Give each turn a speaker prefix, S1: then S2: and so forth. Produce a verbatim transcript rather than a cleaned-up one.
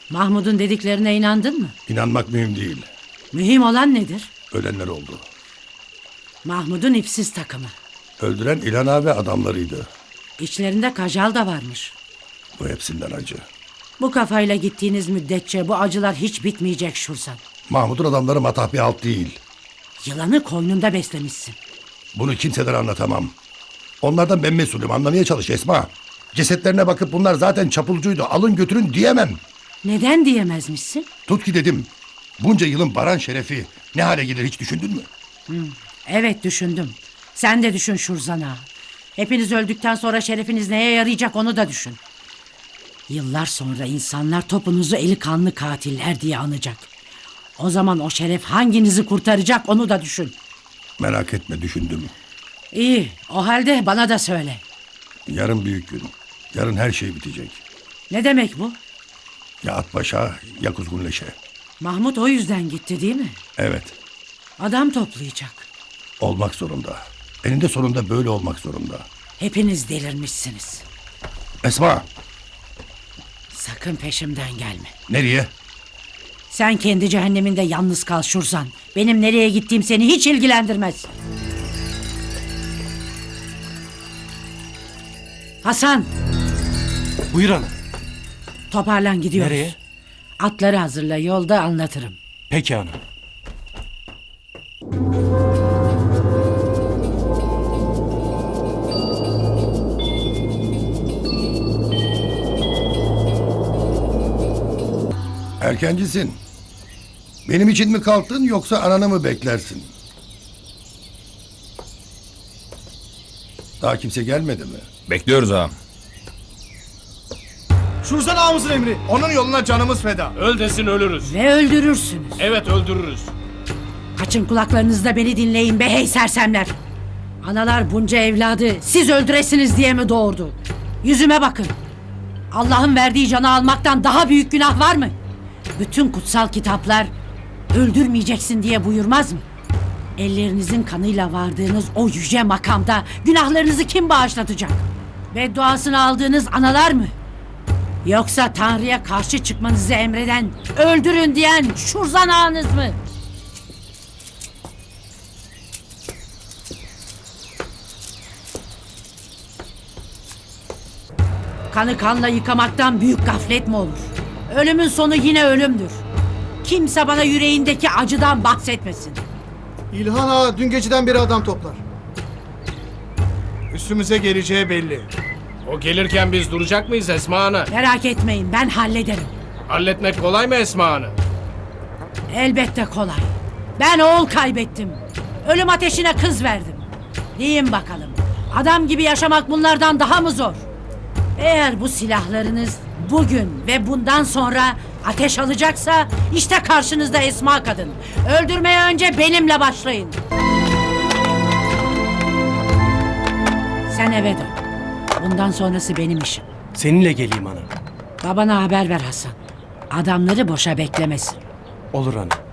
S1: Mahmud'un dediklerine inandın mı?
S2: İnanmak mühim değil.
S1: Mühim olan nedir?
S2: Ölenler oldu.
S1: Mahmud'un ipsiz takımı.
S2: Öldüren İlhan Ağa ve adamlarıydı.
S1: İçlerinde Kajal da varmış.
S2: Bu hepsinden acı.
S1: Bu kafayla gittiğiniz müddetçe bu acılar hiç bitmeyecek Şurzan.
S2: Mahmut'un adamları matah bir halt değil.
S1: Yılanı koynunda beslemişsin.
S2: Bunu kimseden anlatamam. Onlardan ben mesulüm, anlamaya çalış Esma. Cesetlerine bakıp bunlar zaten çapulcuydu, alın götürün diyemem.
S1: Neden diyemezmişsin?
S2: Tut ki dedim. Bunca yılın Baran şerefi ne hale gelir hiç düşündün mü?
S1: Evet düşündüm. Sen de düşün Şurzan ağa. Hepiniz öldükten sonra şerefiniz neye yarayacak onu da düşün. Yıllar sonra insanlar topunuzu eli kanlı katiller diye anacak. O zaman o şeref hanginizi kurtaracak onu da düşün.
S2: Merak etme, düşündüm.
S1: İyi, o halde bana da söyle.
S2: Yarın büyük gün. Yarın her şey bitecek.
S1: Ne demek bu?
S2: Ya Atbaş'a ya Kuzgunleş'e.
S1: Mahmut o yüzden gitti değil mi?
S2: Evet,
S1: Adam toplayacak.
S2: olmak zorunda. Eninde sonunda böyle olmak zorunda.
S1: Hepiniz delirmişsiniz.
S2: Esma,
S1: Sakın peşimden gelme.
S2: nereye?
S1: Sen kendi cehenneminde yalnız kal Şurzan. Benim nereye gittiğim seni hiç ilgilendirmez. Hasan,
S3: Buyur ana.
S1: toparlan gidiyoruz.
S3: Nereye?
S1: Atları hazırla, yolda anlatırım.
S3: Peki ana.
S2: Erkencisin. Benim için mi kalktın yoksa ananı mı beklersin? Daha kimse gelmedi mi?
S4: Bekliyoruz ağam.
S5: Şurzan ağamızın emri. Onun yoluna canımız feda.
S6: Öl desin ölürüz.
S1: Ve öldürürsünüz.
S6: Evet öldürürüz.
S1: Açın kulaklarınızda beni dinleyin be hey sersemler. Analar bunca evladı siz öldüresiniz diye mi doğurdu? Yüzüme bakın. Allah'ın verdiği canı almaktan daha büyük günah var mı? Bütün kutsal kitaplar öldürmeyeceksin diye buyurmaz mı? Ellerinizin kanıyla vardığınız o yüce makamda günahlarınızı kim bağışlatacak? Bedduasını aldığınız analar mı? Yoksa Tanrı'ya karşı çıkmanızı emreden, öldürün diyen Şurzan ağanız mı? Kanı kanla yıkamaktan büyük gaflet mi olur? Ölümün sonu yine ölümdür. Kimse bana yüreğindeki acıdan bahsetmesin.
S5: İlhan Ağa dün geceden beri adam toplar. Üstümüze geleceği belli.
S6: O gelirken biz duracak mıyız Esma Ana?
S1: Merak etmeyin, ben hallederim.
S6: Halletmek kolay mı Esma Ana?
S1: Elbette kolay. Ben oğul kaybettim. Ölüm ateşine kız verdim. Deyin bakalım, adam gibi yaşamak bunlardan daha mı zor? Eğer bu silahlarınız bugün ve bundan sonra ateş alacaksa işte karşınızda Esma kadın. Öldürmeye önce benimle başlayın. Sen eve dön. Bundan sonrası benim işim.
S3: Seninle geleyim ana.
S1: Babana haber ver Hasan. Adamları boşa beklemesin.
S3: Olur ana.